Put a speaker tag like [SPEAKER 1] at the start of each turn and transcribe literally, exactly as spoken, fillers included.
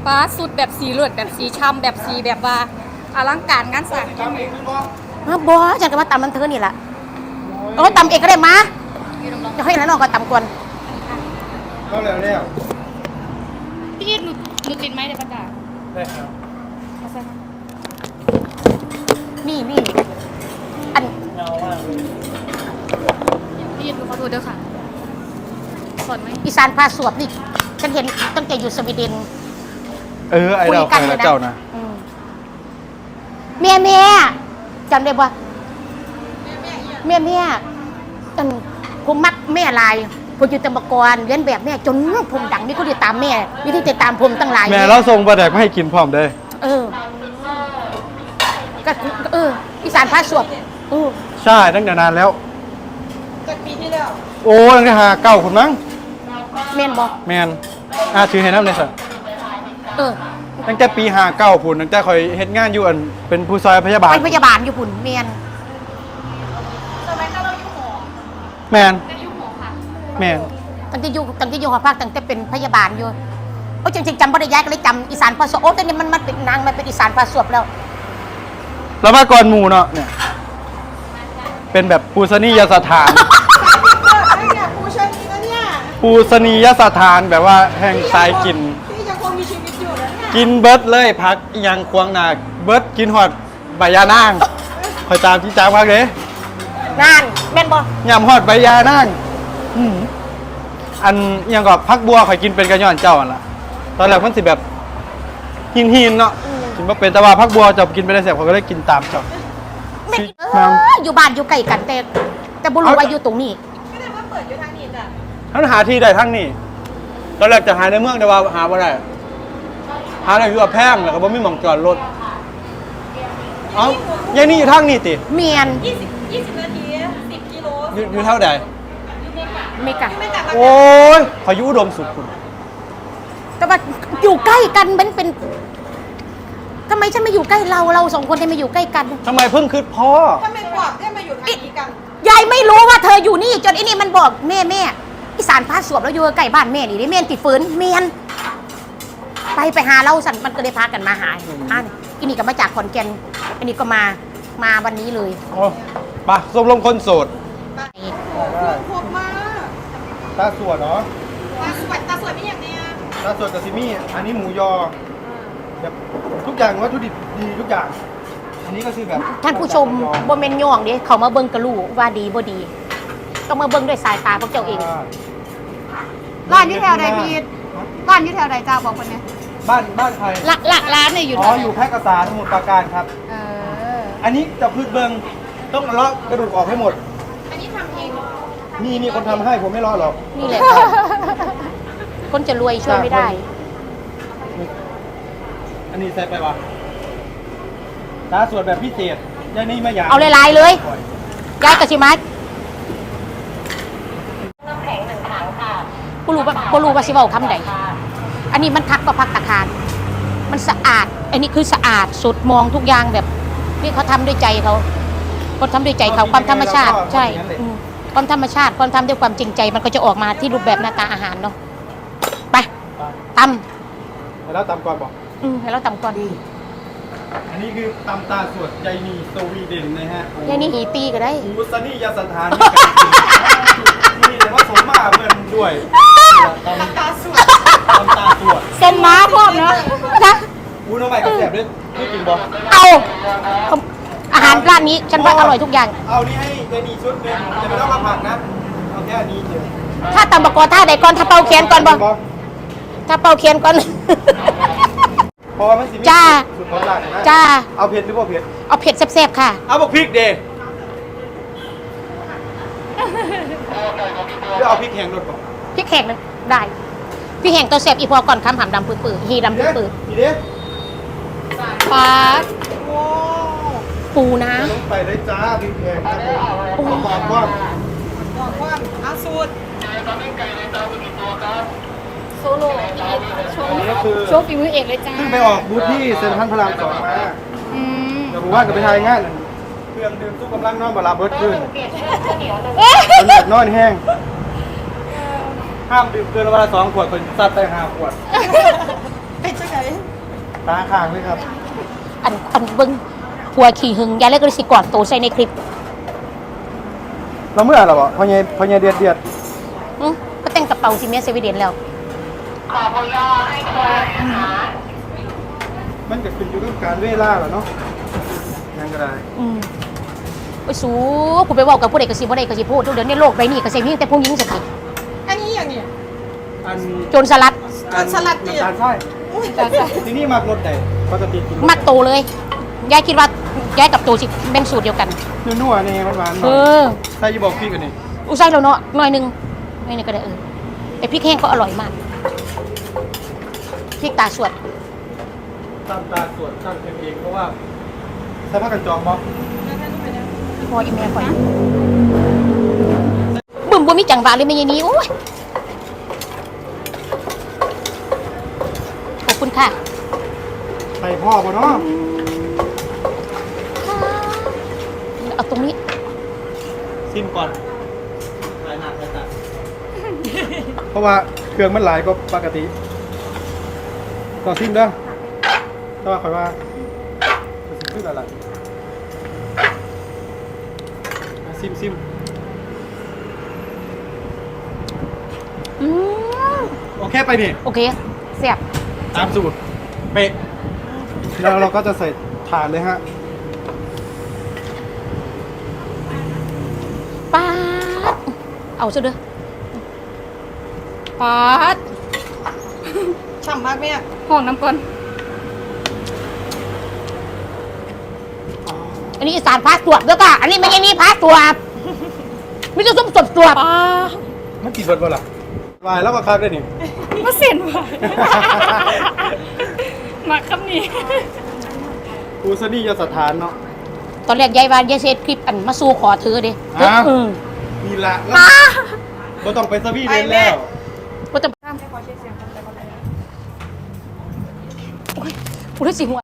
[SPEAKER 1] ฟ้าสุดแบบสีเลือดแบบสีช้ำแบบสีแบบว่าอลังการงานสร้าง
[SPEAKER 2] มาบอจังก็มาตำมันเธอนี่แหละโอ้ตำเอกก็ได้มาจะให้แล้วน้องก็ตำก่อน
[SPEAKER 3] ก็แล้วแล้ว
[SPEAKER 1] พี่หนูหนูติดไหมเดี๋ยวประกาศ
[SPEAKER 3] ได้ครับ
[SPEAKER 2] มีมีอัน
[SPEAKER 3] เงามากเลย
[SPEAKER 1] พี่หนูขอโทษเด้อค่ะสอนไหม
[SPEAKER 2] อีสานพาสวบนี่ฉันเห็นตั้งแต่อยู่สวีเดน
[SPEAKER 3] เออไอ้เราใครละเจ้านะ
[SPEAKER 2] เมียเมียจำได้ปะเมียเมียจนผมมักแม่ลายผมอยู่ตำบกรเลี้ยนแบบแม่จนผมดังนี่ก็ติดตามแม่วิธีติดตามผมตั้งหลาย
[SPEAKER 3] แม่เราส่งปลาแดกมาให้กินพร้อมได้
[SPEAKER 2] เออก็เอออีสานพาสวบเออ
[SPEAKER 3] ใช่ตั้งแต่นานแล้ว
[SPEAKER 1] จากปีที่แล้ว
[SPEAKER 3] โอ้ตั้งแต่หาเก้าคนมั้ง
[SPEAKER 2] แมนบอก
[SPEAKER 3] แมนอ่าถือให้น้ำเลยสิ
[SPEAKER 2] เออ
[SPEAKER 3] ตั้งแต่ปีหาเก้าผุนตั้งแต่คอยเฮ็ดงานอยู่อันเป็นผู้ซอยพยาบาล
[SPEAKER 2] เป็นพยาบาลอยู่ผุนแมน
[SPEAKER 1] สมัยนั้นเราอยู่หอ
[SPEAKER 3] แมนแมน
[SPEAKER 2] ตั้งแต่อยู่ตั้งแต่อยู่หอพักตั้งแต่เป็นพยาบาลอยู่โอ้จริงๆจำไม่ได้ย้ายก็เลยจำอีสานพาสวบโอ้แต่นี่มันมันเป็นนางมันเป็นอีสานพาสวบแล้ว
[SPEAKER 3] แล้วมาก่อนหมู่เนาะเนี่ยเป็นแบบปูสนียสถาน
[SPEAKER 1] ปูชนีนะเนี่ย
[SPEAKER 3] ปูสนียสถานแบบว่าแห่งสายกิน
[SPEAKER 1] พี่ยังคงมีชีวิตอยู่นะเนี่ย
[SPEAKER 3] กินเบิร์ดเลยพักยังควงนาเบิร์ดกินหอดใบยานางคอยตามที่จ้างพักเลย
[SPEAKER 2] นางแม่นบ่
[SPEAKER 3] ยำหอดใบยานางอันยังกับพักบัวคอยกินเป็นกระย่อนเจ้าอันละตอนแรกมันสิแบบหินหินเนาะกินมาเป็นแต่ว่าพักบัวจะกินไปได้เสียเขาก็ได้กินตามเจ้า
[SPEAKER 2] อยู่บ้านอยู่ใกล้กันแต่แต่บุรุษว่าอยู่ตรงนี้
[SPEAKER 1] ไม่ได้ว่าเปิดอยู่ทางนี้จ้ะ
[SPEAKER 3] ท่านหาที่ได้ทั้งนี้ตอนแรกจะหาในเมืองแต่ว่าหาไม่ได้หาอะไรอยู่กับแพงแล้วก็บ่มีหม่องจอดรถเอ้ายังนี่อยู่ทางนี้ติ
[SPEAKER 2] เมียน
[SPEAKER 1] ยี่สิบ ยี่สิบนาทีสิบกิโล
[SPEAKER 3] อยู่อยู่เท่าใด
[SPEAKER 2] เมกะ
[SPEAKER 3] โอ้ยพายุอุดมสุขคุณ
[SPEAKER 2] แต่ว่าอยู่ใกล้กันมันเป็นทำไมฉันมาอยู่ใกล้เราเราสองคนทำไมอยู่ใกล้กัน
[SPEAKER 3] ทำไมเพิ่งคืดพ่อ
[SPEAKER 1] ทำไมกวาดได้มาอยู่ทางนี้กัน
[SPEAKER 2] ยายไม่รู้ว่าเธออยู่นี่จนไอ้นี่มันบอกแม่แม่อีสานพาสวบแล้วอยู่ใกล้บ้านแม่นี่ได้แม่ติดฝืนเมียนไปไปหาเราสันมันก็เลยพากันมาหาอันอันนี้ก็มาจากขอนแก่นอันนี้ก็มามาวันนี้เลย
[SPEAKER 3] โอ้ปะสมรมคนโสด
[SPEAKER 1] พวกมาก
[SPEAKER 3] ตาสวดเนาะ
[SPEAKER 1] ตาสวดตาสวดไม่อย่างเนี้ย
[SPEAKER 3] ตาสวดกับซิมี่อันนี้หมูยอแบบทุกอย่างวัตถุดิบดีทุกอย่างอันนี้ก็คือแบบ
[SPEAKER 2] ท่านผู้ชมโบเมนย่องดิเขามาเบิ้งกระลูว่าดีบ่ดีต้องมาเบิ้งด้วยสายตาพวกเจ้าเอง
[SPEAKER 1] ร้านยี่แถวใดพีทร้านยี่แถวใดจ้าบอกคนนี้
[SPEAKER 3] บ้านบ้านใคร
[SPEAKER 2] หลักหลักร้านเนี่ยอยู่
[SPEAKER 3] อ๋ออยู่แพร่กษาสมุทรปราการครับ
[SPEAKER 1] เออ
[SPEAKER 3] อันนี้จะพืชเบิ้งต้องเลาะกระดูกออกให้หมด
[SPEAKER 1] อันนี้ทำเอง
[SPEAKER 3] นี่นี่คนทำให้ผมไม่เลาะหรอก
[SPEAKER 2] นี่แหละคนจะรวยช่วยไม่ได้
[SPEAKER 3] อันนี้ใส่ไปวะตาสวดแบบพิเศษยายนี่ไม่อยาก
[SPEAKER 2] เอาลายๆเลยยายกระชิมัด
[SPEAKER 1] น้ำแข็งหนึ่งถังค่ะ
[SPEAKER 2] กูรู้ว่ากูรู้ว่าสิว่าคำใดอันนี้มันพักก็พักตะคารมันสะอาดอันนี้คือสะอาดสุดมองทุกอย่างแบบนี่เขาทำด้วยใจเขาคนทำด้วยใจเขาความธรรมชาติใช่ความธรรมชาติความทำด้วยความจริงใจมันก็จะออกมาที่รูปแบบหน้าตาอาหารเนาะไปตำ
[SPEAKER 3] ให้เราตำก่อนบอก
[SPEAKER 2] อืมให้เราตำก่อน
[SPEAKER 3] อันนี้คือตำตาสวดยายนีสวีเดนนะฮะ
[SPEAKER 2] ยายนีหีตีก็ได้
[SPEAKER 3] หูสนียสถานนี่แต่ว่าสมมาเพื่อนด้วยตำตาสวดตำตาสวด
[SPEAKER 2] เส้นม้าพร้อมเนาะนะ
[SPEAKER 3] อู้น้องใหม่กับแสบด้วยไม่กินบอก
[SPEAKER 2] เอาอาหารร้านนี้ฉันว่าอร่อยทุกอย่าง
[SPEAKER 3] เอานี่ให้ยายนีชุดนึงจะไม่ต้องมาผัดนะเอาแค่นี้เดียว
[SPEAKER 2] ถ้าตำบกอท่าใดก่อนถ้าเป่าเคียนก่อนบ่ถ้าเป่าเคียนก่อน
[SPEAKER 3] พอมันสิมี
[SPEAKER 2] จ้า
[SPEAKER 3] สุดของหลังนะ
[SPEAKER 2] จ้า
[SPEAKER 3] เอาเผ็ดหรือเปล่าเผ็ด
[SPEAKER 2] เอาเผ็ดแซ่บๆค่ะ
[SPEAKER 3] เอาบอกพริกเดย์หรือเอาพริกแห้งรสก่อน
[SPEAKER 2] พริกแห้งได้พริกแห้งตัวแซ่บอีพอก่อนคำหำดำปื้อๆฮีดำปื้อ
[SPEAKER 3] ๆอีเด้
[SPEAKER 2] ปลาปูนะ
[SPEAKER 3] ไปได้จ้าพริกแห้งปูหอมก้อน
[SPEAKER 1] หอมก้อนเอาสูตรโซโล่โชว์โชว์ฝีมือเอกเลยจ้า
[SPEAKER 3] ขึ้นไปออกบูธที่เซ็นทรัลพระรามสองมาเดี๋ยวผมว่าจะไปทายงานเครื่องดื่มสู้กำลังนอนบาลาเบิร์ดขึ้นเป็นแบบนอนแห้งห้ามดื่มเกินวันละสองขวดคนซัดไปห้าขวด
[SPEAKER 1] เป็นจังไง
[SPEAKER 3] ตาข้างเลยครับ
[SPEAKER 2] อันอันเบิ้งผัวขี่หึงยายเลยก็เลยสิกอดโตใส่ในคลิป
[SPEAKER 3] เราเมื่อไหร่บ่พอใหญ่พอใหญ่เดือดเดือด
[SPEAKER 2] อื้อก็แต่งกระเป๋าสิเมียเซเวเดนแล้ว
[SPEAKER 3] มันก็ขึ้นอยู่กับการเวลาแหละเนาะยังก็ได้
[SPEAKER 2] อืมไปสู้กูไปเว่ากับผู้ใดก็สิบ่ได้ก็สิพูดเดี๋ยวนี้โลกใบนี้ก็สิมีแต่ผู้หญิงสักที
[SPEAKER 1] อันนี้อย่างเนี้ย
[SPEAKER 3] อัน
[SPEAKER 2] โจรสลัด
[SPEAKER 1] อันสลัดเนี่ย
[SPEAKER 3] น้ำตาลใช่ที่นี่มากรสใดปกติกิน
[SPEAKER 2] มักโตเลยยายคิดว่ายายกับโตสิเป็นสูตรเดียวกัน
[SPEAKER 3] นัวๆนี่หวานๆห
[SPEAKER 2] เอ
[SPEAKER 3] น่อย
[SPEAKER 2] อ
[SPEAKER 3] ใช่อยี่บอกพี่กันนี่
[SPEAKER 2] อุยใส่แล้วเนาะหน่อยหนึงหน่อยหนึงก็ได้เออแต่พริกแห้งก็อร่อยมากพริกตาสวด
[SPEAKER 3] ตามตาสวดตั้งเองเพราะว่าใส่ผ้ากันจองบ่
[SPEAKER 2] พออีแม่ข่อยบึ้มบ่มีจังหวะเลยแม่ยายนี้โอ้ยขอบคุณค่ะ
[SPEAKER 3] ใส่พ่อบ่เนาะ
[SPEAKER 2] เอาตรงนี้
[SPEAKER 3] ซิมก่อนหลายหนักหลายตาเพราะว่าเครื่องมันหลายก็ปกติต่อซิมเด้อแต่ว่าคอยว่าจะซิมขึ้นอะไรซิมซิม
[SPEAKER 2] อืม
[SPEAKER 3] โอเคไปนี่
[SPEAKER 2] โอเคเสียบ
[SPEAKER 3] ตามสูตรเป๊ะแล้วเราก็จะใส่ถาดเลยฮะ
[SPEAKER 2] ป๊าดเอาซะเด้อป๊าด
[SPEAKER 1] ฉ่ำมากแม่
[SPEAKER 2] ห้องน้ำก่อนอันนี้อีสานพาสตรวจด้วยค่ะอันนี้ไม่ใช่นี่พาสตรวจไมแต่จะส้มสดตรวจ
[SPEAKER 3] มันกี่เบิร์ดบ่ล่ะวายแล้วก็คักได้นี่
[SPEAKER 1] มาเสียนว่ะมาคำนี้
[SPEAKER 3] กูซะนี่ยาสถานเนาะ
[SPEAKER 2] ตอนแรกยายวานยายเซตคลิปอันมาสู้ขอเธอเด้
[SPEAKER 3] อ่ะ
[SPEAKER 2] เออ
[SPEAKER 3] นี่ละแล้วบ่ต้องไปสวีเดนแล้ว
[SPEAKER 2] ก็จะโอ้ยกูรู้สิหัว